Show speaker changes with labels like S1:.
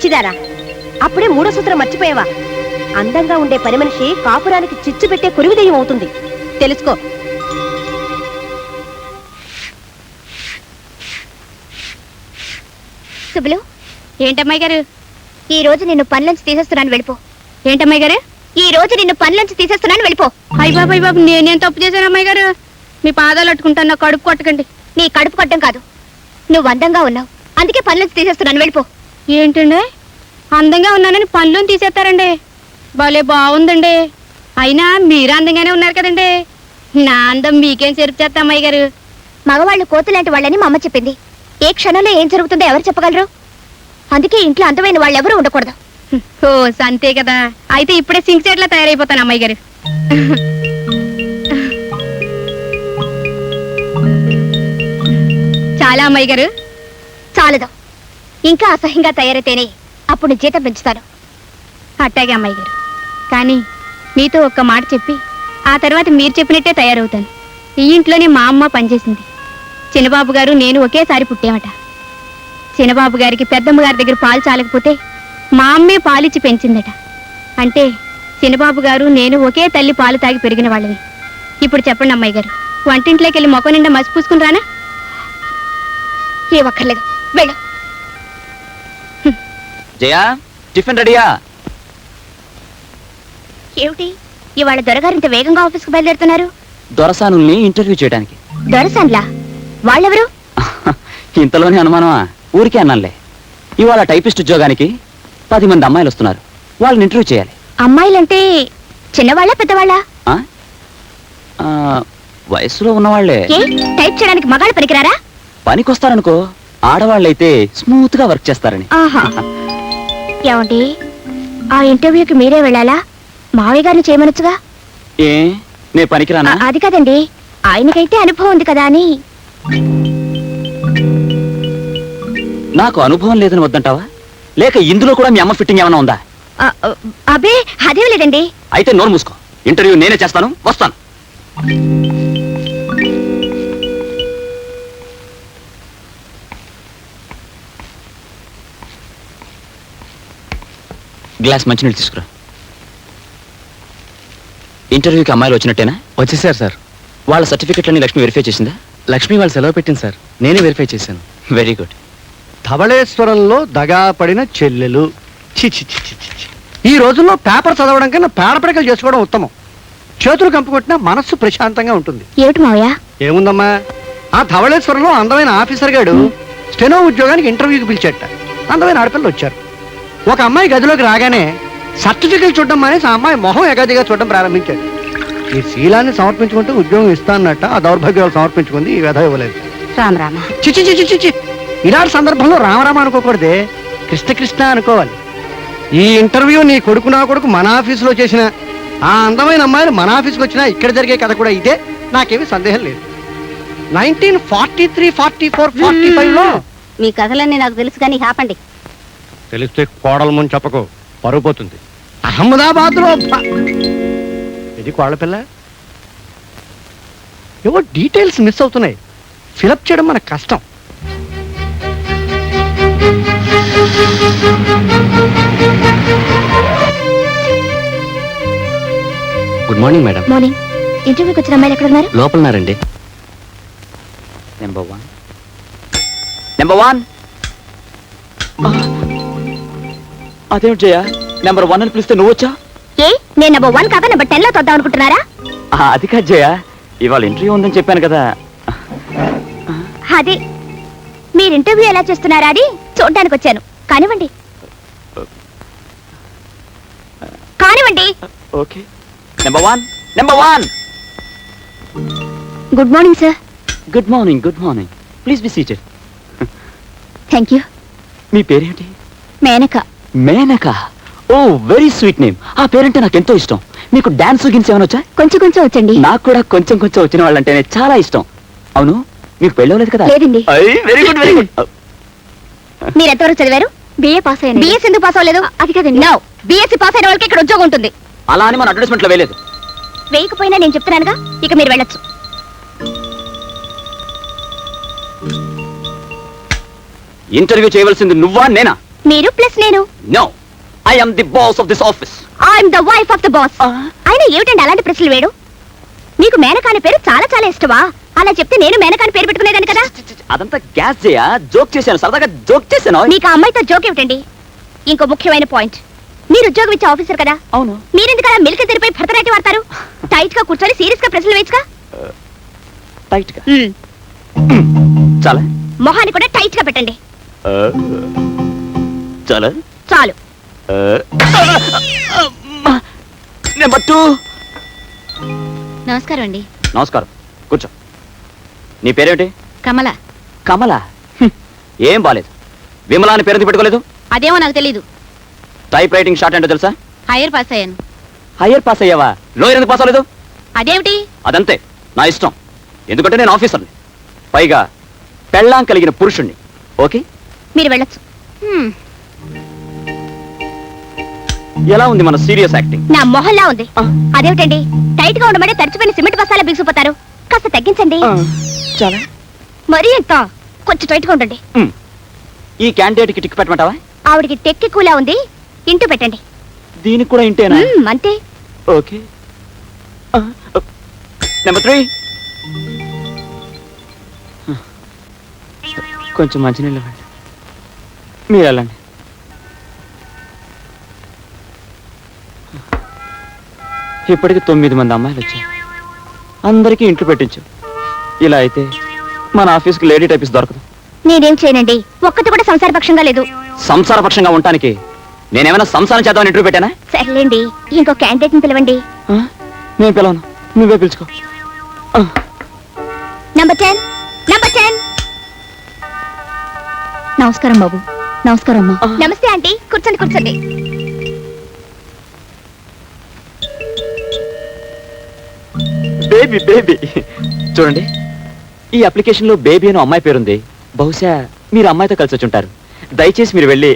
S1: పిచ్చిదారా, అప్పుడే మూడో సూత్రం మర్చిపోయావా? అందంగా ఉండే పని మనిషి కాపురానికి చిచ్చు పెట్టే కురివిదయం అవుతుంది, తెలుసుకో.
S2: సుబ్బులు, ఏంటమ్మాయి గారు ఈ రోజు నిన్ను పనిలోంచి తీసేస్తున్నాను, వెళ్ళిపో. ఏంటమ్మాయి గారు ఈ రోజు నిన్ను పనిలోంచి తీసేస్తున్నాను, వెళ్ళిపో. అయ్య బాబు నేనేం తప్పు చేశాను అమ్మాయి గారు? మీ పాదాలు అట్టుకుంటాను, నా కడుపు కొట్టకండి. నీ కడుపు కొట్టడం కాదు, నువ్వు అందంగా ఉన్నావు అందుకే పనిలోంచి తీసేస్తున్నాను, వెళ్ళిపో. ఏంటండి అందంగా ఉన్నానని పనిలోని తీసేస్తారండి? భలే బాగుందండి. అయినా మీరు అందంగానే ఉన్నారు కదండి. నా అందం మీకేం చెరుపు చేస్తా అమ్మాయి గారు? మగవాళ్ళు కోతులాంటి వాళ్ళని మా అమ్మ చెప్పింది. ఏ క్షణంలో ఏం జరుగుతుందో ఎవరు చెప్పగలరు? అందుకే ఇంట్లో అందమైన వాళ్ళు ఎవరు ఉండకూడదు. ఓ అంతే కదా, అయితే ఇప్పుడే సింక్ చెట్లా తయారైపోతాను అమ్మాయి గారు. చాలా అమ్మాయి గారు, చాలదు. ఇంకా అసహ్యంగా తయారైతేనే అప్పుడు జీతం పెంచుతాను. అట్టాగే అమ్మాయి గారు, కానీ మీతో ఒక్క మాట చెప్పి ఆ తర్వాత మీరు చెప్పినట్టే తయారవుతాను. ఈ ఇంట్లోనే మా అమ్మ పనిచేసింది. చిన్నబాబు గారు నేను ఒకేసారి పుట్టామట. చిన్నబాబు గారికి పెద్దమ్మ గారి దగ్గర పాలు చాలకపోతే మా అమ్మే పాలిచ్చి పెంచిందట. అంటే చిన్నబాబు గారు నేను ఒకే తల్లి పాలు తాగి పెరిగిన వాళ్ళవి. ఇప్పుడు చెప్పండి అమ్మాయి గారు, వంటింట్లోకి వెళ్ళి మొక్క నిండా మసి పూసుకుని రానా? ఏ ఒక్కర్లేదు, వెళ్ళు.
S3: జయా, టిఫిన్ రెడీయా?
S2: ఏమిటి ఇవాళ దొరగారింత వేగంగా ఆఫీస్కి బయలుదేరుతున్నారు?
S3: దొరసానుల్ని ఇంటర్వ్యూ చేయడానికి.
S2: దొరసాన్లా? వాళ్ళెవరు?
S3: ఇంతలోనే అనుమానమా? ఊరికే అన్నానులే. ఇవాళ టైపిస్ట్ ఉద్యోగానికి 10 మంది అమ్మాయిలు వస్తున్నారు, వాళ్ళని ఇంటర్వ్యూ చేయాలి.
S2: అమ్మాయిలంటే చిన్నవాళ్ళ పెద్దవాళ్ళ?
S3: వయసులో ఉన్నవాళ్లే.
S2: టైప్ చేయడానికి మగాళ్ళు పనికిరారా?
S3: పనికొస్తారనుకో, ఆడవాళ్ళైతే స్మూత్ గా వర్క్ చేస్తారని.
S2: ఏమండి, ఆ ఇంటర్వ్యూకి మీరే వెళ్ళాలా? మావయ్య గారిని చేయమనొచ్చుగా.
S3: ఏ నే పనికిరానా?
S2: అది కదండి, ఆయనకైతే అనుభవం ఉంది కదా అని.
S3: నాకు అనుభవం లేదని వద్దంటావా? లేక ఇందులో కూడా మీ అమ్మ ఫిట్టింగ్ ఏమైనా ఉందా?
S2: అబ్బే అదేం లేదండి.
S3: అయితే నోరు మూసుకో, ఇంటర్వ్యూ నేనే చేస్తాను, వస్తాను. గ్లాస్ మంచినీళ్ళు తీసుకురా. ఇంటర్వ్యూకి అమ్మాయిలు వచ్చినట్టేనా?
S4: వచ్చేసారు సార్.
S3: వాళ్ళ సర్టిఫికెట్లన్నీ లక్ష్మి వెరిఫై చేసిందా?
S4: లక్ష్మి వాళ్ళు సెలవు పెట్టింది సార్, నేనే వెరిఫై చేశాను.
S3: Very good.
S5: ధవళేశ్వరంలో దగా పడిన చెల్లెలు. చిచి చిచి చిచి. ఈ రోజుల్లో పేపర్ చదవడం కన్నా పేడపడకలు చేసుకోవడం ఉత్తమం. చేతులు కంపుకొట్టినా మనస్సు ప్రశాంతంగా ఉంటుంది.
S2: ఏమిటి మావయ్య?
S5: ఏముందమ్మా, ఆ ధవళేశ్వరంలో అందమైన ఆఫీసర్ గాడు స్టెనో ఉద్యోగానికి ఇంటర్వ్యూకి పిలిచేట. అందమైన ఆడపిల్లలు వచ్చారు. ఒక అమ్మాయి గదిలోకి రాగానే సర్టిఫికెట్ చూడడం మానేసి ఆ అమ్మాయి మొహం ఎగాదిగా చూడడం ప్రారంభించాడు. ఈ శీలాన్ని సమర్పించుకుంటే ఉద్యోగం ఇస్తానన్నట్ట ఆ దౌర్భాగ్యాలు సమర్పించుకుంది, ఈ వ్యధ ఇవ్వలేదు.
S2: రామరామ.
S5: చిచి చిచి చిచి. ఇలాంటి సందర్భంలో రామరామ అనుకోకూడదే, కృష్ణ కృష్ణ అనుకోవాలి. ఈ ఇంటర్వ్యూ నీ కొడుకు నా కొడుకు మన ఆఫీసులో చేసిన ఆ అందమైన అమ్మాయిలు మన ఆఫీస్కి వచ్చినా ఇక్కడ జరిగే కథ కూడా ఇదే, నాకేమీ సందేహం లేదు. 1943, 44, 45లో
S2: మీ కథలన్నీ నాకు తెలుసు కానీ ఆపండి.
S5: తెలిస్తే కోడల ముందు చెప్పకు, పరుగు పోతుంది. అహ్మదాబాద్ లో ఇది కోడల పిల్ల. ఏవో డీటెయిల్స్ మిస్ అవుతున్నాయి, ఫిలప్ చేయడం మనకు కష్టం.
S3: Good morning madam.
S2: మార్నింగ్. ఇంటర్వ్యూకి వచ్చిన అమ్మాయిలు ఎక్కడ ఉన్నారు?
S3: లోపలన్నారండి. నెంబర్ 1. అదేమిటి జయ, నెంబర్ 1 అని పిలిస్తే నువ్వు వచ్చా?
S2: ఏ నేను నెంబర్ 1 కాక నెంబర్ 10 లో తొద్దాం అనుకుంటున్నారా?
S3: అది కాదు జయ, ఇవాళ ఇంటర్వ్యూ ఉందని చెప్పాను కదా.
S2: అది మీరు ఇంటర్వ్యూ ఎలా చేస్తున్నారా అని చూడడానికి వచ్చాను. కానివ్వండి కానివ్వండి.
S3: Okay. Number 1.
S2: Good morning sir.
S3: Good morning. Please be seated.
S2: Thank you.
S3: మీ పేరేంటి?
S2: మేనక.
S3: మేనక? ఓ వెరీ స్వీట్ నేమ్. ఆ పేరంటే నాకు ఎంతో ఇష్టం. మీకు డాన్స్ గిన్స్ ఏమైనా వచ్చా?
S2: కొంచెం వచ్చండి.
S3: నాకు కూడా కొంచెం వచ్చిన వాళ్ళంటేనే చాలా ఇష్టం. అవును, మీకు పెళ్ళవలేదు కదా?
S2: లేదండి.
S3: Very good.
S2: మీరు ఎంతవరకు చదివారు? బిఏ పాస్ అయ్యాను. బిఎస్ ఎందుకు పాస్ అవ్వలేదు? అది కదండి. నో, బిఎస్సీ పాస్ అయిన వాళ్ళకి ఇక్కడ ఉద్యోగం ఉంటుంది.
S3: అలా అని మన అడ్వర్టైజ్మెంట్ లో వేయలేదు.
S2: వేయకపోయినా నేను చెప్తున్నానుగా, ఇక మీరు వెళ్ళొచ్చు.
S3: ఇంటర్వ్యూ చేయవలసింది నువ్వా నేనా?
S2: మీరు ప్లస్ నేను.
S3: No, I am the boss of this office.
S2: I'm the wife of the boss. అయినా ఏమిటండి అలాంటి ప్రశ్నలు వేడు? మీకు మేనకాని పేరు చాలా చాలా ఇష్టమా? అలా చెప్తే నేను మేనకాని పేరు పెట్టుకునేదాన్ని కదా.
S3: అదంతా గ్యాస్ చేయా, జోక్ చేశాను, సరదాగా జోక్ చేశాను.
S2: మీకు ఆ అమ్మాయితో జోక్ ఏమిటండి? ఇంకో ముఖ్యమైన పాయింట్, మీరు ఉద్యోగం ఇచ్చే ఆఫీసర్ కదా,
S3: అవును.
S2: మీరెందుకు అలా మిల్క్ తెరిపై భరతనాట్యం వాడతారు? టైట్ గా కూర్చొని సీరియస్ గా ప్రశ్నలు వేయచ్చుగా.
S3: టైట్ గా చాలా,
S2: మొహాన్ని కూడా టైట్ గా పెట్టండి.
S3: చాలా
S2: చాలు.
S3: నెంబర్ 2.
S2: నమస్కారం అండి.
S3: నమస్కారం, కూర్చో. నీ పేరేమిటి?
S2: కమల.
S3: కమల? ఏం బాలేదు. విమలా అని పేరు పెట్టుకోలేదు?
S2: అదేమో నాకు తెలీదు.
S3: టైప్ రైటింగ్ షార్ట్ అంటే తెలుసా?
S2: హైయర్ పాస్ అయ్యాను.
S3: హయ్యర్ పాస్ అయ్యావా? లోయర్ ఎందుకు పాస్ అవ్వలేదు?
S2: అదేమిటి?
S3: అదంతే, నా ఇష్టం. ఎందుకంటే నేను ఆఫీసర్ని, పైగా పెళ్ళాం కలిగిన పురుషుణ్ణి. ఓకే,
S2: మీరు వెళ్ళొచ్చు.
S3: ఎలా ఉంది మన సీరియస్ యాక్టింగ్?
S2: నా మొహల్లా ఉంది. అదేమిటండి, టైట్ గా ఉండమని తడిచిపోయిన సిమెంట్ బస్తాలా బిగిసిపోతారు. కాస్త తగ్గించండి.
S3: చాలా.
S2: మరీ ఎంత? కొంచెం టైట్ గా ఉండండి.
S3: ఈ క్యాండిడేట్ కి టిక్ పెట్టమంటావా?
S2: ఆవిడికి టెక్కి కూలా ఉంది, ఇంటూ పెట్టండి.
S3: దీనికి కూడా ఇంటేనా?
S2: అంతే.
S3: ఓకే. నెంబర్ 3. కొంచెం మంచినీళ్ళు ఇవ్వండి. మీరు వెళ్ళండి. ఇప్పటికి 9 మంది అమ్మాయిలు వచ్చారు. అందరికీ ఇంట్లో పెట్టించు. ఇలా అయితే మన ఆఫీస్కి లేడీ టైపిస్ట్ దొరకదు.
S2: నేనేం చేయనండి, ఒక్కటి కూడా సంసారపక్షంగా లేదు.
S3: సంసారపక్షంగా ఉండటానికి నేనేమైనా సంసారం చేద్దామని ఇంటర్వ్యూ పెట్టానా?
S2: సర్లేండి, ఇంకో క్యాండిడేట్ ని పిలవండి.
S3: నేను పిలవను, నువ్వే పిలుచుకో.
S2: నంబర్ 10. నంబర్ 10. నమస్కారం బాబు. నమస్కారం అమ్మా. నమస్తే ఆంటీ, కూర్చోండి కూర్చోండి.
S3: బేబీ బేబీ చూడండి, ఈ అప్లికేషన్ లో బేబీ అని అమ్మాయి పేరుంది. బహుశా మీరు అమ్మాయితో కలిసి వచ్చి ఉంటారు. దయచేసి మీరు వెళ్ళి